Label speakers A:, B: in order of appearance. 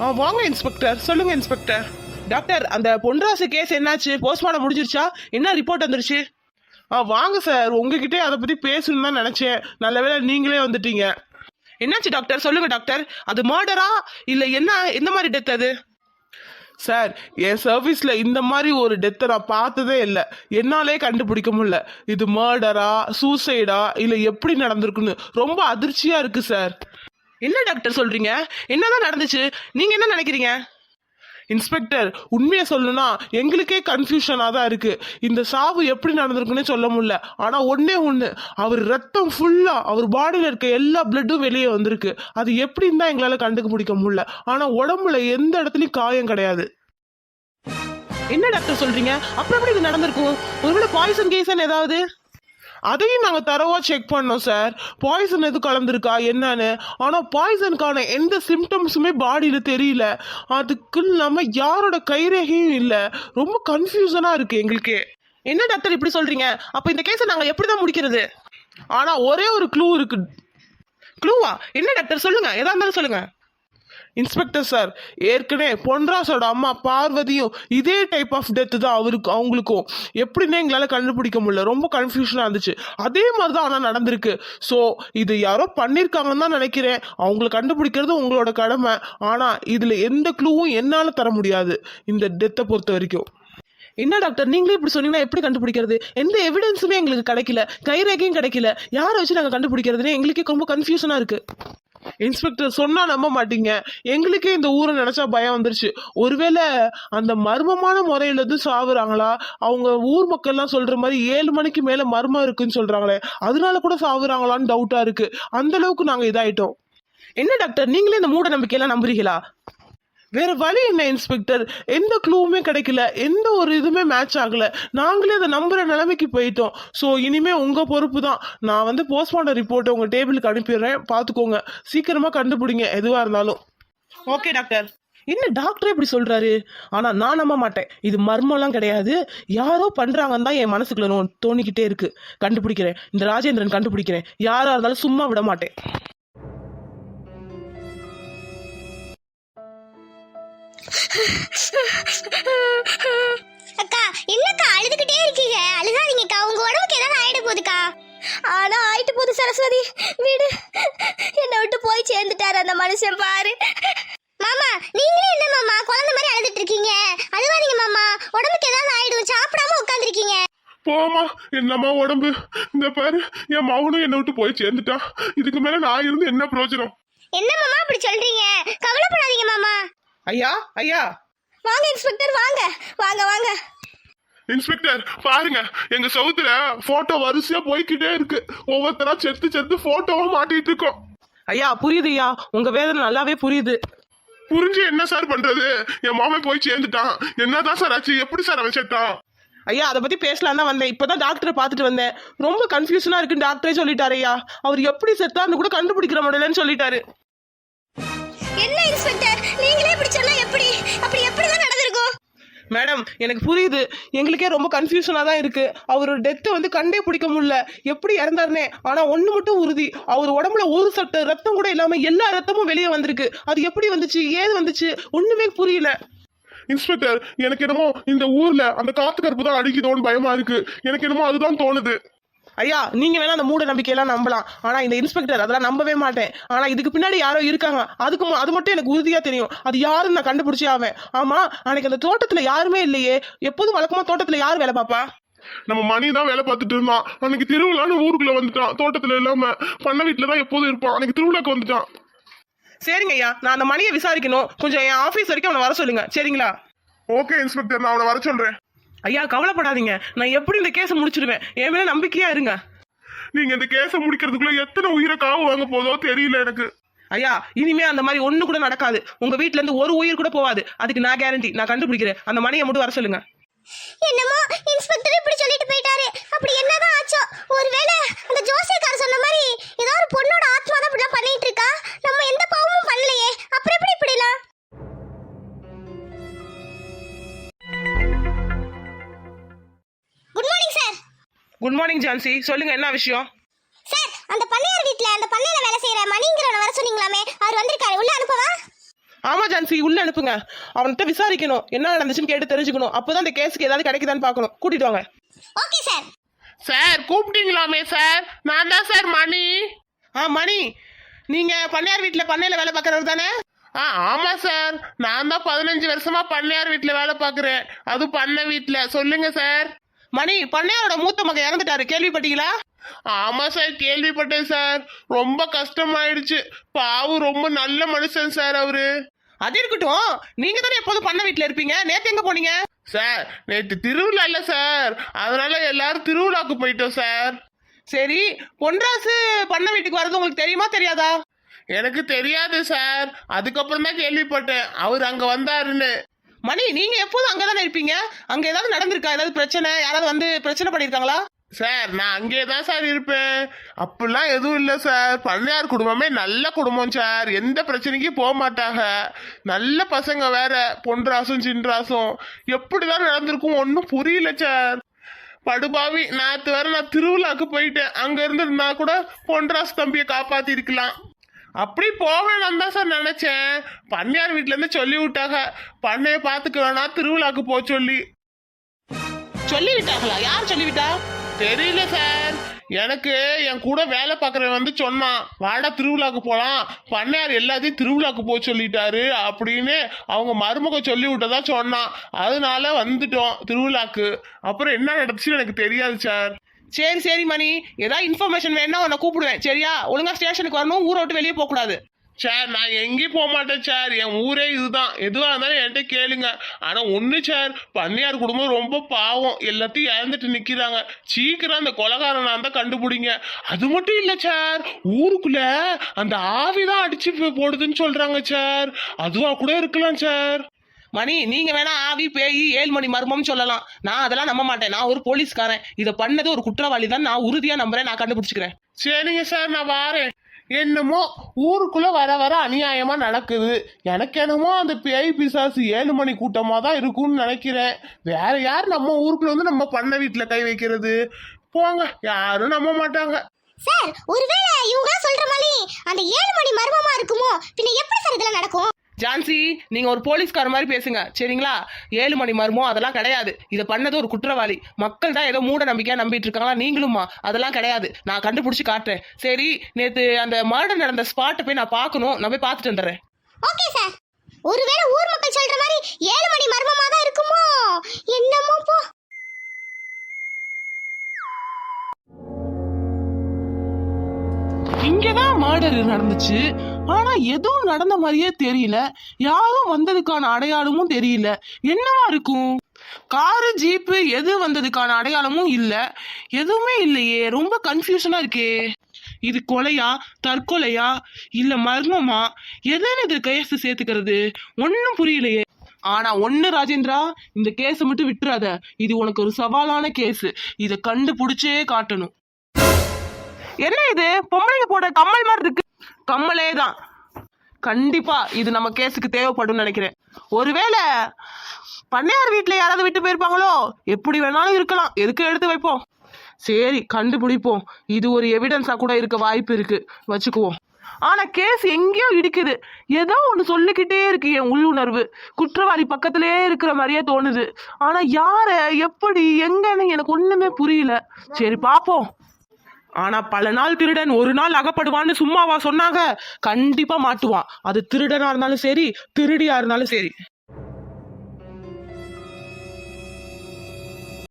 A: வாங்க இன்ஸ்பெக்டர், சொல்லுங்க inspector. Doctor, அந்த பொன்ராசு கேஸ் என்னாச்சு? போஸ்ட்மார்ட்டம் முடிஞ்சிருச்சா? என்ன ரிப்போர்ட் வந்துருச்சு? வாங்க சார், உங்ககிட்டே அதை பற்றி பேசணும்னு தான் நினச்சேன். நல்ல வேளை நீங்களே வந்துட்டீங்க. என்னாச்சு டாக்டர், சொல்லுங்க டாக்டர். அது மர்டரா இல்லை என்ன, எந்த மாதிரி டெத் அது? சார், என் சர்வீஸில் இந்த மாதிரி ஒரு டெத்தை நான் பார்த்ததே இல்லை. என்னாலே கண்டுபிடிக்க முடியல. இது மர்டரா, சூசைடா, இல்லை எப்படி நடந்திருக்குன்னு ரொம்ப அதிர்ச்சியாக இருக்குது சார். என்ன டாக்டர் சொல்கிறீங்க? என்னதான் நடந்துச்சு? நீங்கள் என்ன நினைக்கிறீங்க? இன்ஸ்பெக்டர், உண்மையை சொல்லணும்னா எங்களுக்கே கன்ஃபியூஷனாக தான் இருக்குது. இந்த சாவு எப்படி நடந்திருக்குன்னே சொல்ல முடியல. ஆனால் ஒன்று, அவர் ரத்தம் ஃபுல்லாக அவர் பாடியில் இருக்க எல்லா பிளட்டும் வெளியே வந்திருக்கு. அது எப்படின்னு தான் எங்களால் கண்டுபிடிக்க முடியல. ஆனால் உடம்புல எந்த இடத்துலையும் காயம் கிடையாது. என்ன டாக்டர் சொல்கிறீங்க? அப்புறம் எப்படி இது நடந்திருக்கும்? ஒருவேளை பாய்சன் கேஸன் ஏதாவது? அதையும் நாங்கள் தரவாக செக் பண்ணோம் சார், பாய்சன் எது கலந்துருக்கா என்னன்னு. ஆனால் பாய்சனுக்கான எந்த சிம்டம்ஸுமே பாடியில் தெரியல. அதுக்கு இல்லாமல் யாரோட கைரேகையும் இல்லை. ரொம்ப கன்ஃபியூஷனாக இருக்குது எங்களுக்கு. என்ன டாக்டர் இப்படி சொல்கிறீங்க? அப்போ இந்த கேஸை நாங்கள் எப்படி தான் முடிக்கிறது? ஆனால் ஒரே ஒரு க்ளூ இருக்குது. க்ளூவா? என்ன டாக்டர் சொல்லுங்கள், எதா இருந்தாலும் சொல்லுங்கள். இன்ஸ்பெக்டர் சார், ஏற்கனவே பொன்ராசோட அம்மா பார்வதியும் இதே டைப் ஆஃப் டெத்து தான் அவங்களுக்கும். எப்படின்னே எங்களால் கண்டுபிடிக்க முடியல. ரொம்ப கன்ஃபியூஷனாக இருந்துச்சு. அதே மாதிரி தான் ஆனால் நடந்திருக்கு. ஸோ இது யாரோ பண்ணியிருக்காங்கன்னு தான் நினைக்கிறேன். அவங்கள கண்டுபிடிக்கிறது உங்களோட கடமை. ஆனால் இதில் எந்த க்ளூவும் என்னால் தர முடியாது இந்த டெத்தை பொறுத்த வரைக்கும். என்ன டாக்டர், நீங்களே இப்படி சொன்னீங்கன்னா எப்படி கண்டுபிடிக்கிறது? எந்த எவிடன்ஸுமே எங்களுக்கு கிடைக்கல, கைரேகையும் கிடைக்கல. யாரை வச்சு நாங்கள் கண்டுபிடிக்கிறதுனே எங்களுக்கே ரொம்ப கன்ஃபியூஷனாக இருக்குது. இன்ஸ்பெக்டர், சொன்னா நம்ப மாட்டீங்க, எங்களுக்கே இந்த ஊரை நினைச்சா பயம் வந்துருச்சு. ஒருவேளை அந்த மர்மமான முறையில இருந்து சாவுறாங்களா? அவங்க ஊர் மக்கள்லாம் சொல்ற மாதிரி 7 மணிக்கு மேல மர்மம் இருக்குன்னு சொல்றாங்களே, அதனால கூட சாவுறாங்களான்னு டவுட்டா இருக்கு. அந்த அளவுக்கு நாங்க இதாயிட்டோம். என்ன டாக்டர், நீங்களே இந்த மூட நம்பிக்கையெல்லாம் நம்புறீங்களா? வேற வழி என்ன இன்ஸ்பெக்டர்? எந்த க்ளூவுமே கிடைக்கல, எந்த ஒரு இதுவுமே மேட்ச் ஆகல. நாங்களே அதை நம்புற நிலைமைக்கு போயிட்டோம். ஸோ இனிமே உங்க பொறுப்பு தான். நான் போஸ்ட்மார்ட்டம் ரிப்போர்ட்டை உங்க டேபிளுக்கு அனுப்பிடுறேன், பார்த்துக்கோங்க. சீக்கிரமா கண்டுபிடிங்க எதுவாக இருந்தாலும். Okay doctor. என்ன டாக்டர் இப்படி சொல்றாரு? ஆனா நான் நம்ப மாட்டேன். இது மர்மம்லாம் கிடையாது, யாரோ பண்றாங்கன்னு தான் என் மனசுக்குள்ள தோணிக்கிட்டே இருக்கு. கண்டுபிடிக்கிறேன், இந்த ராஜேந்திரன் கண்டுபிடிக்கிறேன். யாரா இருந்தாலும் சும்மா விட மாட்டேன்.
B: அக்கா, என்னக்கா அழுதுகிட்டே இருக்கீங்க? அழுகாதீங்கக்கா, உங்க உடம்புக்கு ஏதாவது ஆயிட போகுதுக்கா. ஆனா ஆயிட்டு போகுது சரஸ்வதி, வீடு என்னை விட்டு போய் சேர்ந்துட்டாரு அந்த மனுஷன் பாரு. மாமா, நீங்களே என்ன மாமா குழந்தை மாதிரி அழுதுட்டு இருக்கீங்க? அழுவாதீங்க மாமா, உடம்புக்கு ஏதாவது ஆயிடும். சாப்பிடாம உட்காந்துருக்கீங்க.
C: போமா, என்னம்மா உடம்பு? இந்த பாரு, என் மகனும் என்னை விட்டு போய் சேர்ந்துட்டான். இதுக்கு மேல நான் இருந்து என்ன பிரயோஜனம்?
B: என்ன மாமா அப்படி சொல்றீங்க? கவலைப்படாதீங்க மாமா.
A: ஐயா, ஐயா,
B: வாங்க இன்ஸ்பெக்டர், வாங்க வாங்க வாங்க.
C: இன்ஸ்பெக்டர் பாருங்க, எங்க சவுத்துல போட்டோ வரிசையா போய்கிட்டே இருக்கு. ஒவ்வொருத்தரா செத்து போட்டோவா மாட்டிட்டு இருக்கோம்.
A: ஐயா புரியுது ஐயா, உங்க வேதனை நல்லாவே புரியுது.
C: புரிஞ்சு என்ன சார் பண்றது? என் மாமன் போய் சேர்ந்துட்டான். என்னதான் சார் ஆச்சு? எப்படி சார் அவன் செத்தான்?
A: ஐயா, அதை பத்தி பேசலாம் தான் வந்தேன். இப்பதான் டாக்டரை பார்த்துட்டு வந்தேன். ரொம்ப கன்ஃபியூஷனா இருக்குன்னு டாக்டரே சொல்லிட்டாரு ஐயா. அவர் எப்படி செத்தான்னு கூட கண்டுபிடிக்கிற முடியலன்னு சொல்லிட்டாரு.
B: என்ன இன்ஸ்பெக்டர், நீங்களே இப்படி சொன்னா எப்படி? அப்படி எப்படிதான் நடந்திருக்கும்?
A: மேடம், எனக்கு புரியுது. எங்களுக்கே ரொம்ப கன்ஃபியூஷனாக தான் இருக்கு. அவரோட டெத்தை கண்டே பிடிக்க முடியல, எப்படி இறந்தாருனே. ஆனால் ஒன்று மட்டும் உறுதி, அவர் உடம்புல ஒரு சொட்டு ரத்தம் கூட இல்லாமல் எல்லா ரத்தமும் வெளியே வந்திருக்கு. அது எப்படி வந்துச்சு, ஏது வந்துச்சு, ஒன்றுமே புரியல.
C: இன்ஸ்பெக்டர், எனக்கு என்னமோ இந்த ஊர்ல அந்த காத்து கருப்பு தான் அடிக்குதோன்னு பயமா இருக்கு. எனக்கு என்னமோ அதுதான் தோணுது.
A: ஐயா, நீங்க வேணா அந்த மூட நம்பிக்கையெல்லாம் நம்பலாம், ஆனா இந்த இன்ஸ்பெக்டர் அதெல்லாம் நம்பவே மாட்டேன். ஆனா இதுக்கு பின்னாடி யாரோ இருக்காங்க, அது மட்டும் எனக்கு உறுதியா தெரியும். அது யாருன்னு நான் கண்டுபிடிச்சே ஆவேன். ஆமா, அன்னைக்கு அந்த தோட்டத்துல யாருமே இல்லையே. எப்போதும் வழக்கமா தோட்டத்துல யார் வேலை பாப்பா?
C: நம்ம மணி தான் வேலை பார்த்துட்டு இருந்தான். அன்னைக்கு திருவிழான்னு ஊருக்குள்ள வந்துட்டான். தோட்டத்துல இல்லாம பண்ண வீட்டுல தான் எப்போதும் இருப்பான். அன்னைக்கு திருவிழாக்கு வந்துட்டான்.
A: சரிங்க ஐயா, நான் அந்த மணியை விசாரிக்கணும். கொஞ்சம் என் ஆபீஸ் வரைக்கும் அவனை வர சொல்லுங்க, சரிங்களா?
C: ஓகே இன்ஸ்பெக்டர், நான் அவனை வர சொல்றேன்.
A: ஐயா கவலைப்படாதீங்க, நான் எப்படி இந்த கேஸை முடிச்சிடுவேன். என் மேல நம்பிக்கையா இருங்க.
C: நீங்க இந்த கேஸை முடிக்கிறதுக்குள்ள எத்தனை உயிரை காவு வாங்க போதோ தெரியல எனக்கு.
A: ஐயா, இனிமே அந்த மாதிரி ஒண்ணு கூட நடக்காது. உங்க வீட்டுல இருந்து ஒரு உயிர் கூட போவாது. அதுக்கு நான் கேரண்டி. நான் கண்டுபிடிக்கிறேன். அந்த மணியை மட்டும் வர சொல்லுங்க.
B: என்னமோ இன்ஸ்பெக்டர் இப்படி சொல்லிட்டு போயிட்டாரு. அப்படி என்னதான் ஆச்சோ? ஒருவேளை அந்த ஜோசியக்காரர் சொன்ன மாதிரி ஏதோ ஒரு பொண்ணோட ஆத்மா தான் இப்படிலாம் பண்ணிட்டு இருக்கா. நம்ம எந்த பாவமும் பண்ணலையே, அப்புறம் எப்படி இப்படிலாம்? Good morning sir.
A: Good morning Jhansi, சொல்லுங்க என்ன விஷயம்?
B: சார், அந்த பண்ணையார் வீட்ல அந்த பண்ணையில வேலை செய்யற மணிங்கிறவன வர சொன்னீங்களாமே, அவர் வந்திருக்காரு. உள்ள அனுப்பவா?
A: ஆமா ஜான்சி, உள்ள அனுப்புங்க. அவன்கிட்ட விசாரிக்கணும், என்ன நடந்துச்சுன்னு கேட்டு தெரிஞ்சுக்கணும். அப்பதான் அந்த கேஸுக்கு ஏதாவது கிடைக்குதான்னு பார்க்கணும். கூட்டிட்டு வாங்க.
B: Okay sir.
C: சார் கூப்பிட்டீங்களாமே சார்? நான் தான் சார் மணி.
A: மணி, நீங்க பண்ணையார் வீட்டுல பண்ணையில வேலை பார்க்கறவர் தானே?
C: ஆமா சார், நான் தான் 15 வருஷமா பண்ணையார் வீட்டுல வேலை பார்க்கறேன். அது பண்ணை வீட்டுல. சொல்லுங்க சார்.
A: மணி, பண்ணையாரோட மூத்த மகன் இறந்துட்டாரு, கேள்விப்பட்டீங்களா?
C: ஆமா சார், கேள்விப்பட்டேன் சார். ரொம்ப கஷ்டமாயிடுச்சு. பாவம், ரொம்ப நல்ல மனுஷன் சார் அவரு.
A: அது இருக்கட்டும், நீங்க தானே எப்போதும் பண்ணை வீட்டுல இருப்பீங்க, நேத்து எங்க போனீங்க?
C: சார் நேற்று திருவிழா இல்ல சார், அதனால எல்லாரும் திருவிழாக்கு போயிட்டோம் சார்.
A: சரி, பொன்ராசு பண்ணை வீட்டுக்கு வர்றது உங்களுக்கு தெரியுமா தெரியாதா?
C: எனக்கு தெரியாது சார், அதுக்கப்புறம் தான் கேள்விப்பட்டேன் அவர் அங்க வந்தாருன்னு.
A: மணி, நீங்க எப்போதும் அங்கதானே இருப்பீங்க. அங்க ஏதாவது நடந்திருக்கா? ஏதாவது பிரச்சனை? யாராவது வந்து பிரச்சனை பண்ணிருக்காங்களா?
C: சார் நான் அங்கே தான் சார் இருப்பேன். அப்படிலாம் எதுவும் இல்லை சார். பண்ணையார் குடும்பமே நல்ல குடும்பம் சார். எந்த பிரச்சனைக்கும் போக மாட்டாங்க. நல்ல பசங்க வேற, பொன்ராசும் சின்ராசும். எப்படிதான் நடந்திருக்கும் ஒன்றும் புரியல சார். படுபாவி, நேற்று வேற நான் திருவிழாக்கு போயிட்டேன். அங்க இருந்திருந்தா கூட பொன்ராசு தம்பியை காப்பாத்தி இருக்கலாம். அப்படி போவேணாம் தான் சார் நினைச்சேன். பண்ணையார் வீட்டுல இருந்து சொல்லி விட்டாங்க, பண்ணைய பாத்துக்க வேணாம், திருவிழாக்கு போக சொல்லி.
A: சொல்லி விட்டாங்களா? யார் சொல்லிவிட்டா?
C: தெரியல சார். எனக்கு என் கூட வேலை பார்க்குறவன் வந்து சொன்னான், வாடா திருவிழாக்கு போகலாம், பண்ணையார் எல்லாத்தையும் திருவிழாக்கு போக சொல்லிட்டாரு அப்படின்னு அவங்க மருமக சொல்லி விட்டதா சொன்னான். அதனால வந்துட்டோம் திருவிழாக்கு. அப்புறம் என்ன நடந்துச்சுன்னு எனக்கு தெரியாது சார்.
A: சரி சரி மணி, ஏதாவது இன்ஃபர்மேஷன் வேணும்னா உன்னை கூப்பிடுவேன், சரியா? ஒழுங்கா ஸ்டேஷனுக்கு வரணும், ஊரை விட்டு வெளியே போகக்கூடாது.
C: சார் நான் எங்கேயும் போக மாட்டேன் சார். என் ஊரே இதுதான். எதுவாக இருந்தாலும் என்கிட்ட கேளுங்க. ஆனால் ஒன்று சார், பண்ணையார் குடும்பம் ரொம்ப பாவம். எல்லாத்தையும் இழந்துட்டு நிற்கிறாங்க. சீக்கிரம் அந்த கொலகாரனா இருந்தால் கண்டுபிடிங்க. அது மட்டும் இல்லை சார், ஊருக்குள்ள அந்த ஆவிதான் அடிச்சு போடுதுன்னு சொல்றாங்க சார். அதுவா கூட இருக்கலாம் சார்.
A: மணி, நீங்க வேணா ஆவி பேய் 7 மணி மர்மம் சொல்லலாம், நான் அதெல்லாம் நம்ப மாட்டேன். நான் ஒரு போலீஸ்காரன். இதை பண்ணது ஒரு குற்றவாளி தான், நான் உறுதியா நம்புறேன். நான் கண்டுபிடிச்சுக்கிறேன்.
C: சரிங்க சார், நான் வாரேன். என்னமோ ஊருக்குள்ள வர வர அநியாயமா நடக்குது. எனக்கு என்னமோ அந்த பேய் பிசாசு 7 மணி கூட்டமா தான் இருக்கும்னு நினைக்கிறேன். வேற யார் நம்ம ஊருக்குள்ள வந்து நம்ம பண்ண வீட்டுல கை வைக்கிறது? போங்க, யாரும் நம்ப மாட்டாங்க.
B: சார், ஒருவேளை இவங்க சொல்ற மாதிரி அந்த 7 மணி மர்மமா இருக்குமோ? பின்ன எப்படி சார் இதெல்லாம் நடக்கும்?
A: ஜான்சி, நீங்க ஒரு போலீஸ்கார மாதிரி பேசுங்க, சரிங்களா? 7 மணி மர்மம் அதெல்லாம் கிடையாது. இதை பண்ணது ஒரு குற்றவாளி. மக்கள் தான் ஏதோ மூட நம்பிக்கையா நம்பிட்டு இருக்காங்களா, நீங்களுமா? அதெல்லாம் கிடையாது. நான் கண்டுபிடிச்சு காட்டுறேன். சரி, நேத்து அந்த மர்டர் நடந்த ஸ்பாட்டை போய் நான் பார்க்கணும். நான் போய் பார்த்துட்டு வந்துடுறேன்.
B: Okay sir. ஒருவேளை ஊர் மக்கள் சொல்ற மாதிரி 7 மணி மர்மமா தான் இருக்குமோ? என்னமோ போ.
A: இங்கதான் மர்டர் நடந்துச்சு, ஆனா எதுவும் நடந்த மாதிரியே தெரியல. யாரும் வந்ததுக்கான அடையாளமும் தெரியல. என்னவா இருக்கும்? காரு ஜீப்பு எது வந்ததுக்கான அடையாளமும் இல்ல. எதுவுமே இல்லையே. ரொம்ப கன்ஃபியூஷனா இருக்கே. இது கொலையா, தற்கொலையா, இல்ல மர்மமா? எதுன்னு இது கேஸ் சேர்த்துக்கிறது ஒன்னும் புரியலையே. ஆனா ஒண்ணு ராஜேந்திரா, இந்த கேஸை மட்டும் விட்டுறாத. இது உனக்கு ஒரு சவாலான கேஸ். இதை கண்டுபிடிச்சே காட்டணும். என்ன இது? பொம்பளைங்க போட கம்மல் மாதிரி இருக்கு. கம்மலே தான். கண்டிப்பா இது நம்ம கேஸுக்கு தேவைப்படும் நினைக்கிறேன். ஒருவேளை பண்ணையார் வீட்டுல யாராவது விட்டு போயிருப்பாங்களோ? எப்படி வேணாலும் இருக்கலாம். எதுக்கு எடுத்து வைப்போம். சரி, கண்டுபிடிப்போம். இது ஒரு எவிடன்ஸா கூட இருக்க வாய்ப்பு இருக்கு, வச்சுக்குவோம். ஆனா கேஸ் எங்கேயோ இடிக்குது. ஏதோ ஒண்ணு சொல்லிக்கிட்டே இருக்கு என் உள்ளுணர்வு. குற்றவாளி பக்கத்திலே இருக்கிற மாதிரியே தோணுது. ஆனா யார, எப்படி, எங்கன்னு எனக்கு ஒண்ணுமே புரியல. சரி பாப்போம். ஆனா பல நாள் திருடன் ஒரு நாள் அகப்படுவான்னு சும்மாவா சொன்னாங்க? கண்டிப்பா மாட்டுவான். அது திருடனா இருந்தாலும் சரி, திருடியா இருந்தாலும் சரி.